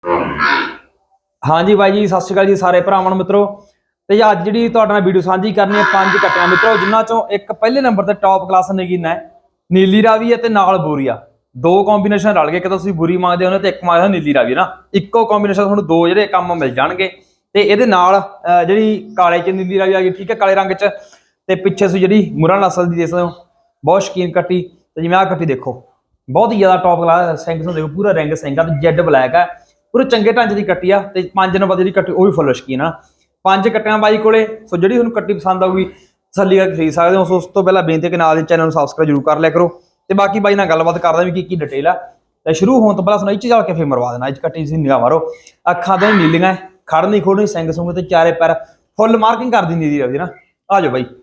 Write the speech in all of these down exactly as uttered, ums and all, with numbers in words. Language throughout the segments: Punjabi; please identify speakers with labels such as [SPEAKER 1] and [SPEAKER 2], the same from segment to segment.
[SPEAKER 1] हाँ जी बाई जी सत श्री अकाल जी सारे भरावां मित्रों। तो जी अज जी तुहाडे नाल वीडियो सांझी करनी है पांच कट्टियां मित्रों, जिन्हां चों एक पहले नंबर ते टॉप क्लास नगीना है नीली रावी है ते नाल बोरिया। दो कॉम्बीनेशन रल गए, एक तुसीं बुरी मंगदे हो ते एक मंगदे हो नीली रावी ना, इक्को कॉम्बीनेशन तुहानूं दो जिहड़े काम मिल जाणगे। ते इहदे नाल जिहड़ी काले च नीली रावी आ गई, ठीक है, काले रंग च। ते पिछे तुसीं जिहड़ी मुरा नस्ल दी देख सकदे हो, बहुत शकीन कट्टी। ते जिवें आ कट्टी देखो बहुत ही ज़्यादा टॉप क्लास सिंग देखो, पूरा रिंग सिंग आ, जैड ब्लैक है, पूरे चंगे ढांचे की कट्टी आ। ते पांच नंबर जी कट्टी वो भी फुल शकीन आ। पांच कट्टियां बाई कोले, सो जी तुहानूं कट्टी पसंद आऊगी तसल्ली करके खरीद सकते हो। सो उस तो पहला बेनती है कि नाल दे चैनल सबसक्राइब जरूर कर लिया करो। ते बाकी बाई नाल गलबात करदा भी की की डिटेल आ। ते शुरू होने तो पहला सुना इच चल के फिर मरवा देना। इच कट्टी सी निगाह मारो, अखां तो नीलियां, खड़नी खोड़नी सिंग सुंग ते चारे पैर फुल मार्किंग कर दी नीली रावी ना। आ जाओ बाई,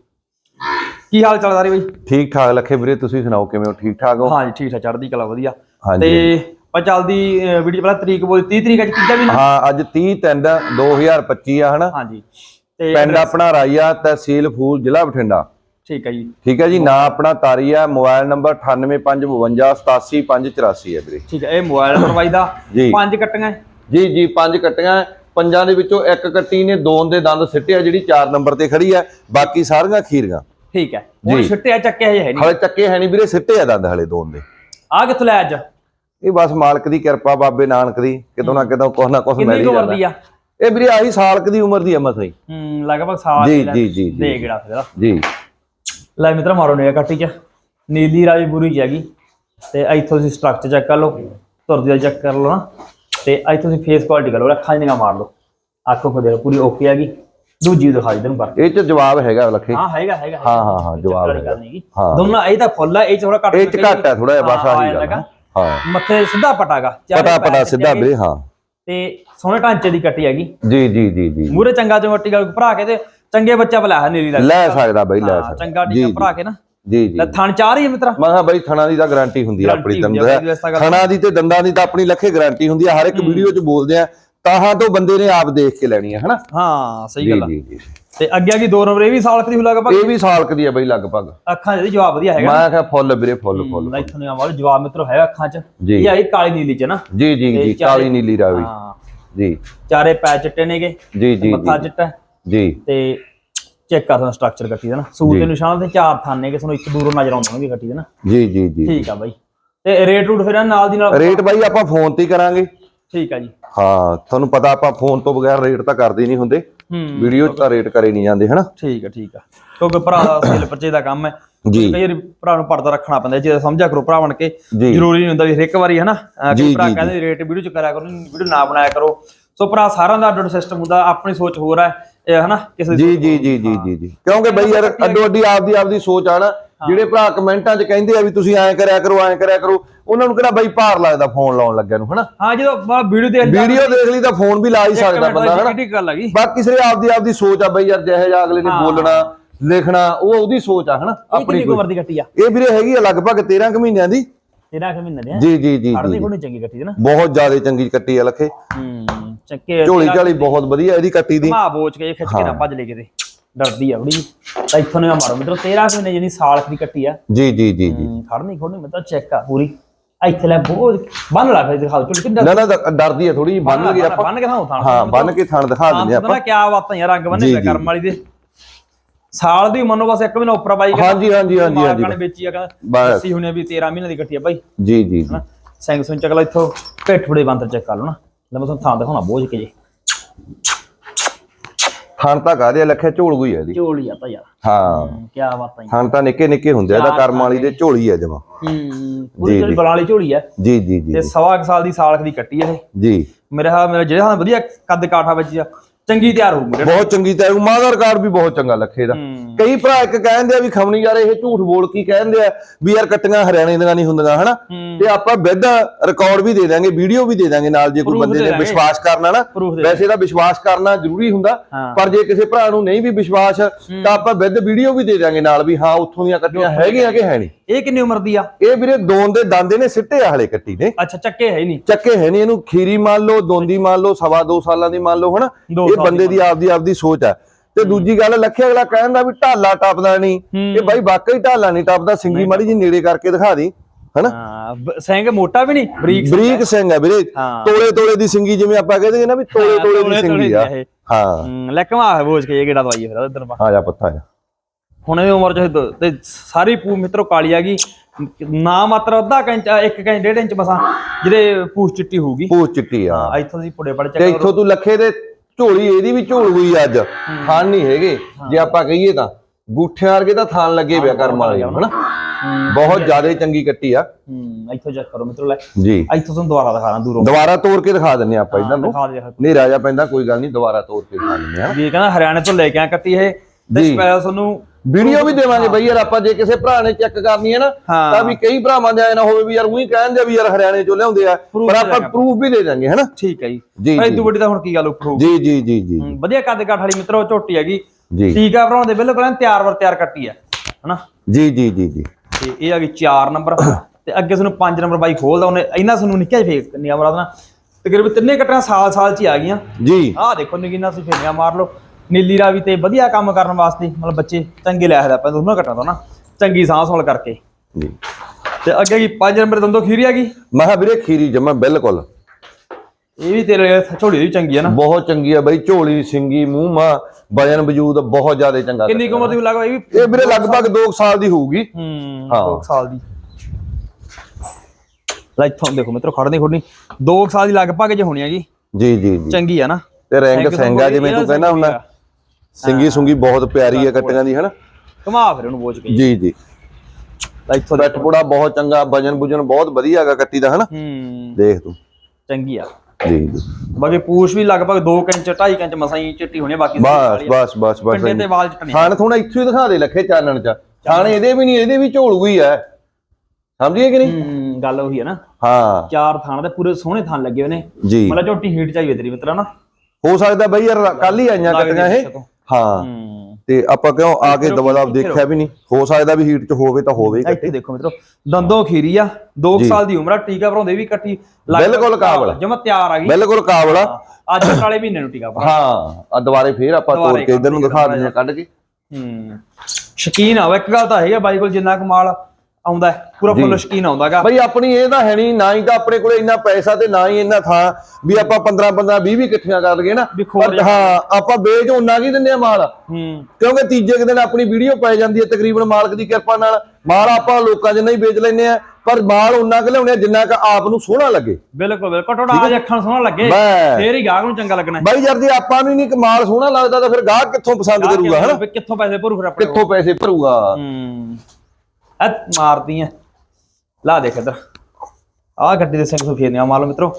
[SPEAKER 1] की हाल चाल सारे बाई?
[SPEAKER 2] ठीक ठाक लखे वीरे, तुसीं सुनाओ किवें हो? ठीक ठाक हो?
[SPEAKER 1] हाँ जी ठीक ठाक, चढ़दी कला वधिया।
[SPEAKER 2] हाँ
[SPEAKER 1] ते
[SPEAKER 2] जी
[SPEAKER 1] पर चलदी वीडियो पहला तरीक बोल तीस तरीक अज तीजा महीना।
[SPEAKER 2] हाँ अज तीह तीन दो हज़ार पच्ची आ, है ना?
[SPEAKER 1] हाँ जी। ते
[SPEAKER 2] पिंड अपना राईया, तहसील फूल, जिला बठिंडा।
[SPEAKER 1] ठीक है जी।
[SPEAKER 2] ठीक है जी। ना अपना तारी है, मोबाइल नंबर अठानवे पंज बवंजा सतासी पंज चौरासी है वीरे।
[SPEAKER 1] ठीक है, ये मोबाइल नंबर बाई दा।
[SPEAKER 2] जी
[SPEAKER 1] पांच कट्टियां
[SPEAKER 2] जी जी पांच कट्टियां, पंजां दे विचों एक कट्टी ने दोन दे दंद सिੱਟਿਆ ਜਿਹੜੀ चार नंबर ते खड़ी है, बाकी सारियां खीरियां।
[SPEAKER 1] ठीक है, हुण सिੱਟਿਆ चक्के है नहीं,
[SPEAKER 2] हले चक्के है नहीं वीरे, सिੱਟੇ ਆ दंद हले दोन दे।
[SPEAKER 1] आ कित्थों ले अज?
[SPEAKER 2] ਇਹ ਬਸ ਮਾਲਕ ਦੀ ਕਿਰਪਾ, ਬਾਬੇ ਨਾਨਕ ਦੀ, ਕਿਤੋਂ ਨਾ ਕਿਤੋਂ ਕੁਛ ਨਾ ਕੁਛ ਮਿਲ ਹੀ ਜਾਂਦਾ। ਇਹ ਵੀਰੇ ਆਹੀ ਸਾਲ ਕ ਦੀ ਉਮਰ ਦੀ ਹੈ ਮਸਾਂ ਹੀ।
[SPEAKER 1] ਹੂੰ ਲਗਭਗ ਸਾਲ
[SPEAKER 2] ਜੀ ਜੀ ਜੀ
[SPEAKER 1] ਦੇ ਗੜਾ ਫਿਰ
[SPEAKER 2] ਜੀ।
[SPEAKER 1] ਲੈ ਮਿੱਤਰ ਮਾਰੋ ਨੇ ਕੱਟੀ ਚ ਨੀਲੀ ਰਾਵੀ ਬੁਰੀ ਚ ਹੈਗੀ। ਤੇ ਇੱਥੋਂ ਤੁਸੀਂ ਸਟਰਕਚਰ ਚੈੱਕ ਕਰ ਲਓ, ਤੁਰਦੀ ਦਾ ਚੈੱਕ ਕਰ ਲਓ ਨਾ। ਤੇ ਇੱਥੋਂ ਤੁਸੀਂ ਫੇਸ ਕੁਆਲਿਟੀ ਕਰ ਲਓ, ਅੱਖਾਂ ਦੀ ਨਿਗਾਹ ਮਾਰ ਲਓ, ਅੱਖ ਕੋ ਦੇ ਲਓ ਪੂਰੀ ਓਕੇ ਹੈਗੀ। ਦੂਜੀ ਦਿਖਾ ਦੇ ਤੈਨੂੰ ਪਰ
[SPEAKER 2] ਇਹ ਚ ਜਵਾਬ ਹੈਗਾ ਲਖੇ।
[SPEAKER 1] ਹਾਂ ਹੈਗਾ ਹੈਗਾ
[SPEAKER 2] ਹਾਂ ਹਾਂ ਹਾਂ ਜਵਾਬ ਹੈਗਾ।
[SPEAKER 1] ਹਾਂ ਦੋਨਾਂ ਇਹ ਤਾਂ ਫੁੱਲ ਹੈ, ਇਹ ਥੋੜਾ ਘੱਟ,
[SPEAKER 2] ਇਹ ਚ ਘੱਟ ਹੈ ਥੋੜਾ ਜਿਹਾ, ਬਸ ਆਹੀ ਗੱਲ ਹੈ। ਹਾਂ
[SPEAKER 1] ਮੱਥੇ ਸਿੱਧਾ ਪਟਾਗਾ,
[SPEAKER 2] ਪਟਾ ਪਟਾ ਸਿੱਧਾ ਵੀਰੇ। ਹਾਂ
[SPEAKER 1] ਤੇ ਸੋਹਣੇ ਢਾਂਚੇ ਦੀ ਕੱਟੀ ਹੈਗੀ।
[SPEAKER 2] ਜੀ ਜੀ ਜੀ ਜੀ।
[SPEAKER 1] ਮੂਰੇ ਚੰਗਾ ਚੋਟੀ ਗੱਲ ਭਰਾ ਕੇ ਤੇ ਚੰਗੇ ਬੱਚਾ ਬਲਾ ਹੈ ਨੀਲੀ ਦਾ
[SPEAKER 2] ਲੈ ਸਕਦਾ ਬਈ, ਲੈ ਸਕਦਾ
[SPEAKER 1] ਚੰਗਾ ਟੀਕਾ ਭਰਾ ਕੇ ਨਾ।
[SPEAKER 2] ਜੀ ਜੀ।
[SPEAKER 1] ਥਣ ਚਾਰ ਹੀ ਮਿੱਤਰਾ,
[SPEAKER 2] ਮੈਂ ਕਿਹਾ ਬਈ ਥਣਾ ਦੀ ਤਾਂ ਗਾਰੰਟੀ ਹੁੰਦੀ ਆ ਆਪਣੀ, ਦੰਦਾਂ ਥਣਾ ਦੀ ਤੇ ਦੰਦਾਂ ਦੀ ਤਾਂ ਆਪਣੀ ਲਖੇ ਗਾਰੰਟੀ ਹੁੰਦੀ ਆ। ਹਰ ਇੱਕ ਵੀਡੀਓ 'ਚ ਬੋਲਦੇ ਆ, ਤਾਹਾਂ ਤੋਂ ਬੰਦੇ ਨੇ ਆਪ ਦੇਖ ਕੇ ਲੈਣੀ ਹੈ, ਹਨਾ?
[SPEAKER 1] ਹਾਂ ਸਹੀ ਗੱਲ ਆ।
[SPEAKER 2] ਜੀ ਜੀ।
[SPEAKER 1] ਤੇ ਅੱਗੇ ਆ ਗਈ ਦੋ ਨੰਬਰ, ਇਹ ਵੀ ਸਾਲ ਕਦੀ ਲਗਭਗ,
[SPEAKER 2] ਇਹ ਵੀ ਸਾਲ ਕਦੀ ਆ ਬਈ ਲਗਭਗ।
[SPEAKER 1] ਅੱਖਾਂ ਜਿਹਦੀ ਜਵਾਬ ਵਧੀਆ ਹੈਗਾ।
[SPEAKER 2] ਮੈਂ ਕਿਹਾ ਫੁੱਲ ਵੀਰੇ, ਫੁੱਲ ਫੁੱਲ।
[SPEAKER 1] ਇੱਥੋਂ ਨੇ ਆਵਾਜ਼ ਜਵਾਬ ਮਿੱਤਰੋ ਹੈ ਅੱਖਾਂ 'ਚ।
[SPEAKER 2] ਜੀ
[SPEAKER 1] ਇਹ ਆਈ ਕਾਲੀ ਨੀਲੀ 'ਚ ਨਾ।
[SPEAKER 2] ਜੀ ਜੀ ਜੀ, ਕਾਲੀ ਨੀਲੀ ਰਾਵੀ।
[SPEAKER 1] ਹਾਂ
[SPEAKER 2] ਜੀ।
[SPEAKER 1] ਚਾਰੇ ਪੈਰ ਚਿੱਟੇ ਨੇਗੇ,
[SPEAKER 2] ਜੀ ਜੀ,
[SPEAKER 1] ਮੱਥਾ ਚਿੱਟਾ
[SPEAKER 2] ਜੀ।
[SPEAKER 1] ਤੇ ਚੈੱਕ ਕਰ ਤੁਹਾਨੂੰ ਸਟਰਕਚਰ ਕੱਟੀ ਦਾ ਨਾ, ਸੂਰ ਦੇ ਨਿਸ਼ਾਨ ਤੇ ਚਾਰ ਥਣ ਨੇਗੇ, ਤੁਹਾਨੂੰ ਇੱਕ ਦੂਰੋਂ ਨਜ਼ਰ ਆਉਂਦੇ ਹੋਣਗੇ ਕੱਟੀ ਦੇ ਨਾ।
[SPEAKER 2] ਜੀ ਜੀ ਜੀ
[SPEAKER 1] ਠੀਕ ਆ ਬਾਈ। ਤੇ ਰੇਟ ਰੂਟ ਫਿਰ ਨਾਲ ਦੀ ਨਾਲ
[SPEAKER 2] ਰੇਟ ਬਾਈ ਆਪਾਂ ਫੋਨ ਤੇ ਹੀ ਕਰਾਂਗੇ।
[SPEAKER 1] ਠੀਕ ਆ ਜੀ।
[SPEAKER 2] ਹਾਂ ਤੁਹਾਨੂੰ ਪਤਾ ਆਪਾਂ ਫੋਨ ਤੋਂ ਬਗੈਰ ਰੇਟ ਤਾਂ ਕਰਦੇ ਨਹੀਂ ਹੁੰਦੇ, ਵੀਡੀਓ 'ਚ ਤਾਂ ਰੇਟ ਕਰੇ ਨਹੀਂ ਜਾਂਦੇ, ਹਨਾ?
[SPEAKER 1] ਠੀਕ ਆ ਠੀਕ ਆ, ਕਿਉਂਕਿ ਭਰਾ ਦਾ ਸੇਲ ਪਰਚੇ ਦਾ ਕੰਮ ਹੈ ਜੀ। ਕਈ ਵਾਰੀ ਭਰਾ ਨੂੰ ਪਰਦਾ ਰੱਖਣਾ ਪੈਂਦਾ, ਜੇ ਸਮਝਿਆ ਕਰੋ ਭਰਾ ਬਣ ਕੇ। ਜ਼ਰੂਰੀ ਨਹੀਂ ਹੁੰਦਾ ਵੀ ਹਰ ਇੱਕ ਵਾਰੀ, ਹਨਾ? ਕਈ ਭਰਾ ਕਹਿੰਦੇ ਰੇਟ ਵੀਡੀਓ 'ਚ ਕਰਿਆ ਕਰੋ, ਵੀਡੀਓ ਨਾ ਬਣਾਇਆ ਕਰੋ। ਸੋ ਭਰਾ ਸਾਰਿਆਂ ਦਾ ਅੱਡ ਸਿਸਟਮ ਹੁੰਦਾ, ਆਪਣੀ ਸੋਚ ਹੋਰ ਹੈ, ਹਨਾ? ਕਿਸੇ
[SPEAKER 2] ਜੀ ਜੀ ਜੀ ਜੀ ਜੀ ਜੀ। ਕਿਉਂਕਿ ਬਈ ਯਾਰ ਅੱਡੋ ਅੱਡੀ ਆਪਦੀ ਆਪਦੀ ਸੋਚ ਆ ਨਾ। ਜਿਹੜੇ ਭਰਾ ਕਮੈਂਟਾਂ 'ਚ ਕਹਿੰਦੇ ਆ ਵੀ ਤੁਸੀਂ ਐਂ ਕਰਿਆ ਕਰੋ, ਐਂ ਕਰਿਆ ਕਰੋ, ਉਹਨਾਂ ਨੂੰ ਕਿਹੜਾ ਬਈ ਭਾਰ ਲੱਗਦਾ ਫੋਨ ਲਾਉਣ ਲੱਗਿਆ ਨੂੰ, ਹਨਾ? ਹਾਂ ਜਦੋਂ ਵੀਡੀਓ ਦੇਖ ਵੀਡੀਓ ਦੇਖ ਲਈ ਤਾਂ ਫੋਨ ਵੀ ਲਾ ਹੀ ਸਕਦਾ ਬੰਦਾ, ਹਨਾ? ਬਾਕੀ ਸਿਰੇ ਆਪਦੀ ਆਪਦੀ ਸੋਚ ਆ ਬਈ ਯਾਰ, ਜਿਹੇ ਜਿਹਾ ਅਗਲੇ ਨੇ ਬੋਲਣਾ ਲਿਖਣਾ ਉਹ ਉਹਦੀ ਸੋਚ ਆ, ਹਨਾ? ਆਪਣੀ ਉਮਰ ਦੀ ਕੱਟੀ ਆ ਇਹ ਵੀਰੇ, ਹੈਗੀ ਆ ਲਗਭਗ ਤੇਰਾਂ ਕੁ ਮਹੀਨਿਆਂ ਦੀ। ਤੇਰਾਂ ਕੁ ਮਹੀਨੇ ਦੀ? ਜੀ ਜੀ ਜੀ ਜੀ। ਚੰਗੀ ਕੱਟੀ ਨਾ, ਬਹੁਤ ਜ਼ਿਆਦਾ ਚੰਗੀ ਕੱਟੀ ਆ ਲਖੇ। ਹੂੰ ਚੱਕੇ ਝੋਲੀ ਝਾਲੀ ਬਹੁਤ ਵਧੀਆ ਇਹਦੀ ਕੱਟੀ ਦੀ। ਮਾ ਬੋਚ ਕੇ ਖਿੱਚ ਕੇ ਨਾ ਭੱਜ ਲੈ ਕਿਤੇ, ਡਰਦੀ ਆ ਬੜੀ। ਤਾਂ ਇੱਥੋਂ ਨੇ ਮਾਰੋ ਮਿੱਤਰੋ, ਤੇਰਾਂ ਮਹੀਨੇ ਜਿਹੜੀ ਸਾਲ ਦੀ ਕੱਟੀ ਆ। ਜੀ ਜੀ ਜੀ ਜੀ। ਖੜਨੀ ਖੋੜਨੀ ਮਤਲਬ ਚੈੱਕ ਆ ਪੂਰੀ। ਇੱਥੇ ਲੈ ਬਹੁਤ ਬੰਨ ਲਾ, ਫਿਰ ਦਿਖਾ ਝੋਲੀ ਕਿੰਨਾ। ਨਾ ਨਾ ਡਰਦੀ ਆ ਥੋੜੀ, ਬੰਨ ਕੇ ਆਪਾਂ ਬੰਨ ਕੇ ਥਾਂ ਥਾਂ ਹਾਂ ਬੰਨ ਕੇ ਥਾਂ ਦਿਖਾ ਦਿੰਦੇ ਆਪਾਂ। ਕੀ ਬਾਤਾਂ ਯਾਰ, ਰੰਗ ਬੰਨੇ ਪਿਆ ਕਰਮ ਵਾਲੀ ਦੇ। ਸਾਲ ਦੀ ਮੰਨੋ ਬਸ ਇੱਕ ਮਹੀਨਾ ਉੱਪਰ ਬਾਈ। ਹਾਂਜੀ ਹਾਂਜੀ ਹਾਂਜੀ ਹਾਂਜੀ ਵੇਚੀ ਆ, ਕਹਿੰਦਾ ਅਸੀਂ ਹੁਣੇ ਵੀ ਤੇਰਾਂ ਮਹੀਨੇ ਦੀ ਕੱਟੀ ਆ ਬਾਈ। ਜੀ ਜੀ। ਸਿੰਘ ਸੁਣ ਚੱਕ ਲਾ, ਇੱਥੋਂ ਪਿੱਠ ਬੜੇ ਬੰਦਰ ਚੈੱਕ ਕਰ ਲਓ ਨਾ। ਲੈ ਮੈਂ ਤੁਹਾਨੂੰ ਥਾਂ ਦਿਖਾਉਣਾ ਬੋਝ ਕੇ ਜੇ। ਥਣ ਤਾਂ ਕਾਹਦੇ ਲੱਖੇ, ਝੋਲ ਗਈ ਆ ਇਹਦੀ। ਝੋਲੀ ਆ ਤਾਂ ਯਾਰ। ਹਾਂ ਕੀ ਬਾਤਾਂ। ਥਣ ਤਾਂ ਨਿੱਕੇ ਨਿੱਕੇ ਹੁੰਦੇ ਆ, ਇਹਦਾ ਕਰਮ ਵਾਲੀ ਦੇ ਝੋਲੀ ਆ ਜਮਾ। ਹੂੰ ਪੂਰੀ ਝੋਲੀ ਬਲਾਂ ਵਾਲੀ ਝੋਲੀ ਆ। ਜੀ ਜੀ ਜੀ। ਤੇ ਸਵਾ ਸਾਲ ਦੀ ਸਾਲ ਦੀ ਕੱਟੀ ਆ ਇਹ। ਜੀ ਮੇਰੇ ਹਾਲ ਮੇਰੇ ਜਿਹੜਾ ਵਧੀਆ ਕੱਦ ਕਾਠਾ ਬੱਚੀ ਆ, ਚੰਗੀ ਤਿਆਰ ਹੋਊ, ਬਹੁਤ ਚੰਗੀ ਤਿਆਰ ਹੋਊ। ਮਾਂ ਦਾ ਰਿਕਾਰਡ ਵੀ ਬਹੁਤ ਚੰਗਾ ਲੱਖੇ ਦਾ। ਕਈ ਭਰਾ ਇੱਕ ਕਹਿੰਦੇ ਆ ਵੀ ਖਮਣੀ ਯਾਰ ਇਹ ਝੂਠ ਬੋਲ ਕੀ ਕਹਿੰਦੇ ਆ ਵੀ ਯਾਰ ਕੱਟੀਆਂ ਹਰਿਆਣੇ ਦੀਆਂ ਨਹੀਂ ਹੁੰਦੀਆਂ, ਹਨਾ? ਤੇ ਆਪਾਂ ਵਿਦ ਰਿਕਾਰਡ ਵੀ ਦੇ ਦਾਂਗੇ, ਵੀਡੀਓ ਵੀ ਦੇ ਦਾਂਗੇ ਨਾਲ, ਜੇ ਕੋਈ ਬੰਦੇ ਨੇ ਵਿਸ਼ਵਾਸ ਕਰਨਾ ਨਾ। ਵੈਸੇ ਤਾਂ ਵਿਸ਼ਵਾਸ ਕਰਨਾ ਜ਼ਰੂਰੀ ਹੁੰਦਾ, ਪਰ ਜੇ ਕਿਸੇ ਭਰਾ ਨੂੰ ਨਹੀਂ ਵੀ ਵਿਸ਼ਵਾਸ ਤਾਂ ਆਪਾਂ ਵਿਦ ਵੀਡੀਓ ਵੀ ਦੇ ਦਾਂਗੇ ਨਾਲ, ਵੀ ਹਾਂ ਉੱਥੋਂ ਦੀਆਂ ਕੱਟੀਆਂ ਹੈਗੀਆਂ ਕਿ ਹੈ ਨਹੀਂ। ਇਹ ਕਿੰਨੀ ਉਮਰ ਦੀ ਆ? ਇਹ ਵੀਰੇ ਦੋਨ ਦੇ ਦੰਦੇ ਨੇ ਸਿੱਟੇ ਆ ਹਲੇ ਕੱਟੀ ਨੇ। ਅੱਛਾ ਚੱਕੇ ਹੈ ਨਹੀਂ? ਚੱਕੇ ਹੈ ਨਹੀਂ। ਇਹਨੂੰ ਖੀਰੀ ਮੰਨ ਲਓ, ਦੋਂਦੀ ਮੰਨ ਲਓ, ਸਵਾ ਦੋ ਸਾਲਾਂ ਦੀ ਮੰਨ ਲਓ, ਹਨਾ? ਇਹ ਬੰਦੇ ਦੀ ਆਪਦੀ ਆਪਦੀ ਸੋਚ ਆ। ਤੇ ਦੂਜੀ ਗੱਲ ਲੱਖੇ ਅਗਲਾ ਕਹਿੰਦਾ ਵੀ ਢਾਲਾ ਟੱਪਦਾ ਨਹੀਂ, ਇਹ ਬਾਈ ਵਾਕਈ ਢਾਲਾ ਨਹੀਂ ਟੱਪਦਾ। ਸਿੰਗੀ ਮਾੜੀ ਜੀ ਨੇੜੇ ਕਰਕੇ ਦਿਖਾ ਦੀ, ਹਨਾ।
[SPEAKER 1] ਹਾਂ ਬ- ਸਿੰਘ ਮੋਟਾ ਵੀ ਨਹੀਂ, ਬਰੀਕ
[SPEAKER 2] ਬਰੀਕ ਸਿੰਘ ਆ ਵੀਰੇ,
[SPEAKER 1] ਹਾਂ।
[SPEAKER 2] ਤੋਲੇ ਤੋਲੇ ਦੀ ਸਿੰਗੀ, ਜਿਵੇਂ ਆਪਾਂ ਕਹਿੰਦੇ ਨਾ ਵੀ ਤੋਲੇ
[SPEAKER 1] ਹਾਂ,
[SPEAKER 2] ਤੋਲੇ
[SPEAKER 1] ਤੋਲੇ
[SPEAKER 2] ਦੀ ਸਿੰਗੀ ਆ।
[SPEAKER 1] ਇਹ।
[SPEAKER 2] ਹਾਂ
[SPEAKER 1] ਹੂੰ, ਲੈ ਕਮਾ ਹੈ ਬੋਝ ਕੇ ਇਹ ਕਿਹੜਾ ਦਵਾਈ ਫਿਰ ਇਧਰ ਪਾ
[SPEAKER 2] ਆ ਜਾ ਪੱਤਾ ਜਾ।
[SPEAKER 1] ਹੁਣ ਇਹ ਉਮਰ ਚ ਦ- ਤੇ ਸਾਰੀ ਪੂ ਮਿੱਤਰੋ ਕਾਲੀ ਆ ਗਈ, ਨਾ ਮਾਤਰ ਅੱਧਾ ਕੰਚ ਇੱਕ ਕੰਚ ਡੇਢ ਇੰਚ ਮਸਾਂ ਜਿਹੜੇ ਪੂਛ ਚਿੱਟੀ ਹੋਊਗੀ।
[SPEAKER 2] ਪੂਛ ਚਿੱਟੀ ਆ।
[SPEAKER 1] ਹਾਂ ਇੱਥੋਂ ਦੀ ਪੁੜੇ ਬੜੇ
[SPEAKER 2] ਤੇ
[SPEAKER 1] ਚੱਕਰ
[SPEAKER 2] ਇੱਥੋਂ ਤੂੰ ਲੱਖੇ ਦੇ ਝੋਲੀ ਇਹਦੀ ਵੀ ਝੋਲ ਹੋਈ ਆ ਅੱਜ, ਥਾਨ ਨਹੀਂ ਹੈਗੇ ਜੇ ਆਪਾਂ ਕਹੀਏ ਤਾਂ, ਗੂਠਿਆਂ ਵਰਗੇ ਤਾਂ ਥਾਨ ਲੱਗੇ ਪਿਆ ਕਰਮ ਵਾਲੇ ਨੂੰ ਹਨਾ। ਬਹੁਤ ਜ਼ਿਆਦਾ ਚੰਗੀ ਕੱਟੀ ਆ।
[SPEAKER 1] ਹੂੰ ਇੱਥੋਂ ਚੈੱਕ ਕਰੋ ਮਿੱਤਰੋ, ਲੈ
[SPEAKER 2] ਜੀ
[SPEAKER 1] ਇੱਥੋਂ ਤੁਹਾਨੂੰ ਦੁਬਾਰਾ ਦਿਖਾਣਾ ਦੂਰੋਂ,
[SPEAKER 2] ਦੁਬਾਰਾ ਤੋੜ ਕੇ ਦਿਖਾ ਦਿੰਨੇ ਆਪਾਂ ਇਦਾਂ ਨੂੰ,
[SPEAKER 1] ਦਿਖਾ ਦੇ
[SPEAKER 2] ਹਨੇਰਾ ਜਾ ਪੈਂਦਾ ਕੋਈ ਗੱਲ ਨਹੀਂ, ਦੁਬਾਰਾ ਤੋੜ ਕੇ ਦਿਖਾ ਦਿੰਨੇ ਆ।
[SPEAKER 1] ਵੀ ਕਹਿੰਦਾ ਹਰਿਆਣੇ ਤੋਂ ਲੈ ਕੇ ਆ ਕੱਟੀ ਇਹ, ਤੇ
[SPEAKER 2] ਜੀ।
[SPEAKER 1] ਸਪੈਸ਼ਲ ਤੁਹਾਨੂੰ
[SPEAKER 2] ਵੀਡੀਓ ਵੀ ਦੇਵਾਂਗੇ ਬਈ ਯਾਰ ਆਪਾਂ, ਜੇ ਕਿਸੇ ਭਰਾ ਨੇ ਚੈੱਕ ਕਰਨੀ ਹੈ ਨਾ
[SPEAKER 1] ਹਾਂ।
[SPEAKER 2] ਤਾਂ ਵੀ ਕਈ ਭਰਾਵਾਂ ਦੇ ਆਏ ਨਾ ਹੋਵੇ ਵੀ ਯਾਰ ਉਹੀ ਕਹਿੰਦੇ ਵੀ ਯਾਰ ਹਰਿਆਣੇ ਚੋਂ ਲਿਆਉਂਦੇ ਆ, ਪਰ ਆਪਾਂ ਪ੍ਰੂਫ ਵੀ ਦੇ ਦਾਂਗੇ ਹਨਾ।
[SPEAKER 1] ਠੀਕ ਹੈ ਜੀ।
[SPEAKER 2] ਜੀ
[SPEAKER 1] ਭਾਈ ਦੂ ਵੱਡੀ ਦਾ ਹੁਣ ਕੀ ਗੱਲ ਉੱਪਰ ਹੋਊ।
[SPEAKER 2] ਜੀ ਜੀ ਜੀ ਜੀ
[SPEAKER 1] ਹੂੰ, ਵਧੀਆ ਕੱਦ ਕਾਠ ਵਾਲੀ ਮਿੱਤਰੋ ਝੋਟੀ ਹੈਗੀ
[SPEAKER 2] ਜੀ
[SPEAKER 1] ਟੀਕਾ ਭਰਾਉਣ ਦੇ ਬਿਲਕੁਲ ਐਨ ਤਿਆਰ ਵਰ ਤਿਆਰ ਕੱਟੀ ਆ ਹਨਾ।
[SPEAKER 2] ਜੀ ਜੀ ਜੀ ਜੀ
[SPEAKER 1] ਤੇ ਇਹ ਆ ਗਈ ਚਾਰ ਨੰਬਰ, ਤੇ ਅੱਗੇ ਤੁਹਾਨੂੰ ਪੰਜ ਨੰਬਰ ਬਾਈ ਖੋਲਦਾ ਉਹਨੇ, ਇਹਨਾਂ ਤੁਹਾਨੂੰ ਨਿੱਕਿਆ ਜਿਹਾ ਫੇਕ ਨਿਆ ਮਰਾ ਦੇਣਾ। ਤਕਰੀਬਨ ਤਿੰਨੇ ਕੱਟੀਆਂ ਸਾਲ ਸਾਲ ਚ ਹੀ ਆ ਗਈਆਂ।
[SPEAKER 2] ਜੀ
[SPEAKER 1] ਆਹ ਦੇਖੋ ਨਗੀਨਾ ਸੀ ਫੇਰੀਆਂ ਮਾਰ ਲਓ, ਨੀਲੀ ਰਾਵੀ ਤੇ ਵਧੀਆ ਕੰਮ ਕਰਨ ਵਾਸਤੇ ਮਤਲਬ ਬੱਚੇ ਚੰਗੇ ਲੈ ਆਦਾ ਆਪਾਂ ਦੋਨੋਂ ਕੱਟਾਂ ਤੋਂ ਨਾ, ਚੰਗੀ ਸਾਂਭ ਸੰਭਾਲ ਕਰਕੇ।
[SPEAKER 2] ਜੀ
[SPEAKER 1] ਤੇ ਅੱਗੇ ਕੀ ਪੰਜ ਨੰਬਰ ਦੰਦੋ ਖੀਰੀ ਆ ਗਈ,
[SPEAKER 2] ਮੈਂ ਕਿਹਾ ਵੀਰੇ ਖੀਰੀ ਜਮਾ ਬਿਲਕੁਲ,
[SPEAKER 1] ਇਹ ਵੀ ਤੇਰੇ ਝੋਲੀ ਦੀ ਚੰਗੀ ਆ ਨਾ,
[SPEAKER 2] ਬਹੁਤ ਚੰਗੀ ਆ ਬਈ, ਝੋਲੀ ਸਿੰਗੀ ਮੂੰਹ ਮਾ ਵਜਨ ਵਜੂਦ ਬਹੁਤ ਜ਼ਿਆਦਾ ਚੰਗਾ।
[SPEAKER 1] ਕਿੰਨੀ ਕੁ ਉਮਰ ਦੀ ਲੱਗਦਾ ਇਹ ਵੀ?
[SPEAKER 2] ਇਹ ਵੀਰੇ ਲਗਭਗ ਦੋ ਸਾਲ ਦੀ ਹੋਊਗੀ।
[SPEAKER 1] ਹੂੰ
[SPEAKER 2] ਹਾਂ।
[SPEAKER 1] ਦੋ ਸਾਲ ਦੀ। ਲੈ ਇੱਥੋਂ ਦੇਖੋ ਮਿੱਤਰੋ ਖੜਨੀ ਖੁੜਨੀ ਦੋ ਸਾਲ ਦੀ ਲਗਭਗ ਜੇ ਹੋਣੀ ਹੈਗੀ।
[SPEAKER 2] ਜੀ ਜੀ ਜੀ
[SPEAKER 1] ਚੰਗੀ ਆ ਨਾ,
[SPEAKER 2] ਤੇ ਰੰਗ ਸਿੰਘਾ ਜਿਵੇਂ ਤੂੰ ਕਹਿੰਦਾ ਹੁੰਦਾ, ਸਿੰਗੀ ਸੁੰਗੀ ਬਹੁਤ ਪਿਆਰੀ ਆ ਕੱਟੀਆਂ ਦੀ ਹਨਾ।
[SPEAKER 1] ਘੁਮਾ ਫਿਰ ਉਹਨੂੰ ਬੋਝ ਕੇ
[SPEAKER 2] ਜੀ ਜੀ
[SPEAKER 1] ਲੈ ਇੱਥੋਂ
[SPEAKER 2] ਬੈਟ ਬੁੜਾ ਬਹੁਤ ਚੰਗਾ, ਵਜਨ ਬੁਜਨ ਬਹੁਤ ਵਧੀਆ ਹੈਗਾ ਕੱਟੀ ਦਾ ਹਨਾ।
[SPEAKER 1] ਹੂੰ
[SPEAKER 2] ਦੇਖ ਤੂੰ
[SPEAKER 1] ਚੰਗੀ ਆ।
[SPEAKER 2] ਜੀ ਜੀ
[SPEAKER 1] ਬਾਕੀ ਪੂਛ ਵੀ ਲਗਭਗ ਦੋ ਇੰਚ ਢਾਈ ਇੰਚ ਮਸਾਂ ਹੀ ਚਿੱਟੀ ਹੋਣੀ ਆ, ਬਾਕੀ
[SPEAKER 2] ਬਸ ਬਸ ਬਸ ਬਸ
[SPEAKER 1] ਪਿੰਡੇ ਤੇ ਵਾਲ ਚਟਣੇ
[SPEAKER 2] ਥਾਣ ਥੋੜਾ ਇੱਥੋਂ ਹੀ ਦਿਖਾ ਦੇ ਲੱਖੇ ਚਾਨਣ ਚ, ਥਾਣ ਇਹਦੇ ਵੀ ਨਹੀਂ, ਇਹਦੇ ਵੀ ਝੋਲੂ ਹੀ ਹੈ, ਸਮਝੀਏ ਕਿ ਨਹੀਂ।
[SPEAKER 1] ਹੂੰ ਗੱਲ ਉਹੀ ਹੈ ਨਾ,
[SPEAKER 2] ਹਾਂ
[SPEAKER 1] ਚਾਰ ਥਾਣ ਦੇ ਪੂਰੇ ਸੋਹਣੇ ਥਾਣ ਲੱਗੇ ਹੋਏ ਨੇ,
[SPEAKER 2] ਜੀ
[SPEAKER 1] ਮਤਲਬ ਝੋਟੀ ਹੀਟ ਚਾਹੀਏ ਤੇਰੀ ਮਿੱਤਰਾ ਨਾ।
[SPEAKER 2] ਹੋ ਸਕਦਾ ਬਈ ਯਾਰ ਕੱਲ ਹੀ ਆਈਆਂ ਕੱਟੀਆਂ ਇਹ। ਹਾਂ
[SPEAKER 1] ਹੂੰ
[SPEAKER 2] ਤੇ ਆਪਾਂ ਕਿਉਂ ਆ ਕੇ ਦਬਦਬ ਦੇਖਿਆ ਵੀ ਨਹੀਂ, ਹੋ ਸਕਦਾ ਵੀ ਹੀਟ ਚ ਹੋਵੇ ਤਾਂ ਹੋਵੇ।
[SPEAKER 1] ਇੱਥੇ ਦੇਖੋ ਮਿੱਤਰੋ ਦੰਦੋਂ ਖੀਰੀ ਆ, ਦੋ ਸਾਲ ਦੀ ਉਮਰ ਆ, ਟੀਕਾ ਭਰਾਉਂਦੇ ਵੀ ਕੱਟੀ
[SPEAKER 2] ਬਿਲਕੁਲ ਕਾਬਲ
[SPEAKER 1] ਜਮਾ ਤਿਆਰ ਆ ਗਈ,
[SPEAKER 2] ਬਿਲਕੁਲ ਕਾਬਲ ਆ।
[SPEAKER 1] ਅੱਜ ਵਾਲੇ ਮਹੀਨੇ ਨੂੰ ਟੀਕਾ ਭਰਾ।
[SPEAKER 2] ਹਾਂ ਆ ਦੁਬਾਰੇ ਫੇਰ ਆਪਾਂ ਤੋੜ ਕੇ ਇਧਰ ਨੂੰ ਦਿਖਾ ਦਿੰਦੇ ਆ ਕੱਢ ਕੇ।
[SPEAKER 1] ਹੂੰ ਸ਼ਕੀਨ ਆ, ਇੱਕ ਗੱਲ ਤਾਂ ਹੈਗਾ ਬਾਈ ਕੋਲ ਜਿੰਨਾ ਕਮਾਲ ਆਉਂਦਾ ਪੂਰਾ ਫੁੱਲ ਸ਼ਕੀਨ ਆਉਂਦਾਗਾ
[SPEAKER 2] ਬਈ ਆਪਣੀ ਇਹ ਤਾਂ ਹੈ ਨਹੀਂ, ਨਾ ਹੀ ਤਾਂ ਆਪਣੇ ਕੋਲੇ ਇੰਨਾ ਪੈਸਾ ਤੇ ਨਾ ਹੀ ਇੰਨਾ ਥਾਂ ਵੀ ਆਪਾਂ ਪੰਦਰਾਂ ਪੰਦਰਾਂ ਵੀਹ ਵੀਹ ਇਕੱਠੀਆਂ ਕਰ ਲਈਏ ਨਾ। ਪਰ ਹਾਂ ਆਪਾਂ ਵੇਚ ਉਹਨਾਂ ਕੀ ਦਿੰਦੇ ਆ ਮਾਲ,
[SPEAKER 1] ਹੂੰ
[SPEAKER 2] ਕਿਉਂਕਿ ਤੀਜੇ ਦਿਨ ਆਪਣੀ ਵੀਡੀਓ ਪੈ ਜਾਂਦੀ ਹੈ ਤਕਰੀਬਨ ਮਾਲਕ ਦੀ ਕਿਰਪਾ ਨਾਲ। ਮਾਲ ਆਪਾਂ ਲੋਕਾਂ ਜਿੰਨਾ ਹੀ ਵੇਚ ਲੈਂਦੇ ਆ, ਪਰ ਮਾਲ ਉਹਨਾਂ ਕੁ ਲਿਆਉਣੇ ਜਿੰਨਾ ਕ ਆਪ ਨੂੰ ਸੋਹਣਾ ਲੱਗੇ।
[SPEAKER 1] ਬਿਲਕੁਲ ਬਿਲਕੁਲ ਟੋਟਾ ਆ ਅੱਖਾਂ ਸੋਹਣਾ ਲੱਗੇ ਫੇਰ ਹੀ ਗਾਹਕ ਨੂੰ ਚੰਗਾ ਲੱਗਣਾ।
[SPEAKER 2] ਬਾਈ ਯਾਰ ਜੇ ਆਪਾਂ ਨੂੰ ਨਹੀਂ ਮਾਲ ਸੋਹਣਾ ਲੱਗਦਾ ਤਾਂ ਫਿਰ ਗਾਹਕ ਕਿੱਥੋਂ ਪਸੰਦ ਕਰੂਗਾ ਹਨਾ,
[SPEAKER 1] ਕਿੱਥੋਂ ਪੈਸੇ ਭਰੂ ਫਿਰ ਆਪਣੇ
[SPEAKER 2] ਕਿੱਥੋਂ ਪੈਸੇ ਭਰੂਗਾ।
[SPEAKER 1] ਹੂੰ ਐ ਮਾਰਦੀ ਆ ਲਾ ਦੇਖ ਇੱਧਰ ਆਹ ਗੱਡੀ ਦੇ ਸਿੰਘ ਤੋਂ ਫੇਰਨੀਆਂ ਮਾਲ ਮਿੱਤਰੋ,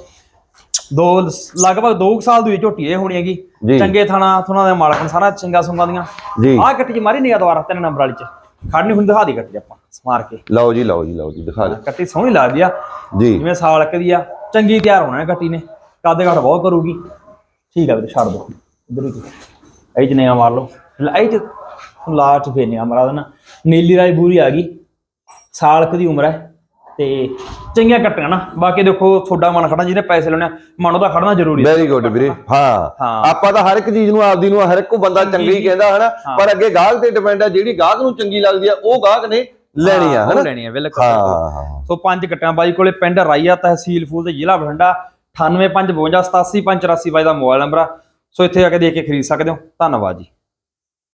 [SPEAKER 1] ਦੋ ਲਗਭਗ ਦੋ ਸਾਲ ਦੀ ਝੋਟੀ ਇਹ ਹੋਣੀ ਹੈਗੀ, ਚੰਗੇ ਥਾਣਾ ਥੁਣਾ ਦੇ ਮਾਲਕ ਨੇ ਸਾਰਾ ਚੰਗਾ ਸੁੰਗਾ ਦੀਆਂ। ਆਹ ਗੱਟੀ ਚ ਮਾਰੀ ਨਿਗਾ ਦੁਬਾਰਾ ਤਿੰਨ ਨੰਬਰ ਵਾਲੀ ਚ ਖੜਨੀ ਹੁਣ ਦਿਖਾ ਦੀ ਗੱਟੀ ਆਪਾਂ ਮਾਰ ਕੇ।
[SPEAKER 2] ਲਓ ਜੀ ਲਓ ਜੀ ਲਓ ਜੀ ਦਿਖਾ ਦੇ,
[SPEAKER 1] ਗੱਟੀ ਸੋਹਣੀ ਲੱਗਦੀ ਆ
[SPEAKER 2] ਜੀ,
[SPEAKER 1] ਜਿਵੇਂ ਸਾਲਕ ਦੀ ਆ, ਚੰਗੀ ਤਿਆਰ ਹੋਣਾ ਗੱਟੀ ਨੇ, ਕੱਦ ਘੱਟ ਬਹੁਤ ਕਰੂਗੀ। ਠੀਕ ਆ ਵੀਰੇ ਛੱਡ ਦੋ ਇੱਧਰ ਹੀ ਇਹ ਚ ਨਿਗਾ ਮਾਰ ਲਓ, ਇਹ ਚ ਲਾਸਟ ਫੇਰ ਨਿਗਾ ਮਾਰਾ ਦੇਣਾ। ਨੀਲੀ ਰਾਈ ਬੂਰੀ ਆ ਗਈ, ਸਾਲਕ ਦੀ ਉਮਰ ਹੈ ਤੇ ਚੰਗੀਆਂ ਕੱਟੀਆਂ ਨਾ। ਬਾਕੀ ਦੇਖੋ ਤੁਹਾਡਾ ਮਨ ਖੜਨਾ, ਜਿਹਨੇ ਪੈਸੇ ਲੈਣੇ ਮਨ ਉਹਦਾ ਖੜਨਾ ਜ਼ਰੂਰੀ ਹੈ।
[SPEAKER 2] ਵੈਰੀ ਗੁੱਡ ਵੀਰੇ। ਹਾਂ ਆਪਾਂ ਤਾਂ ਹਰ ਇੱਕ ਚੀਜ਼ ਨੂੰ ਆਪਦੀ ਨੂੰ ਹਰ ਇੱਕ ਬੰਦਾ ਚੰਗੀ ਹੀ ਕਹਿੰਦਾ ਹਨਾ, ਪਰ ਅੱਗੇ ਗਾਹਕ ਤੇ ਡਿਪੈਂਡ ਆ, ਜਿਹੜੀ ਗਾਹਕ ਨੂੰ ਚੰਗੀ ਲੱਗਦੀ ਆ ਉਹ ਗਾਹਕ ਨੇ ਲੈਣੀ ਆ ਹਨਾ,
[SPEAKER 1] ਲੈਣੀ ਆ ਬਿਲਕੁਲ। ਸੋ ਪੰਜ ਕੱਟਿਆਂ ਬਾਈ ਕੋਲੇ, ਪਿੰਡ ਰਾਈਆ, ਤਹਿਸੀਲ ਫੂਲ ਤੇ ਜ਼ਿਲ੍ਹਾ ਬਠਿੰਡਾ। ਅਠਾਨਵੇਂ ਪੰਜ ਬਵੰਜਾ ਸਤਾਸੀ ਪੰਜ ਚੁਰਾਸੀ ਬਾਈ ਦਾ ਮੋਬਾਈਲ ਨੰਬਰ ਆ। ਸੋ ਇੱਥੇ ਆ ਕੇ ਦੇਖ ਕੇ ਖਰੀਦ ਸਕਦੇ ਹੋ। ਧੰਨਵਾਦ ਜੀ।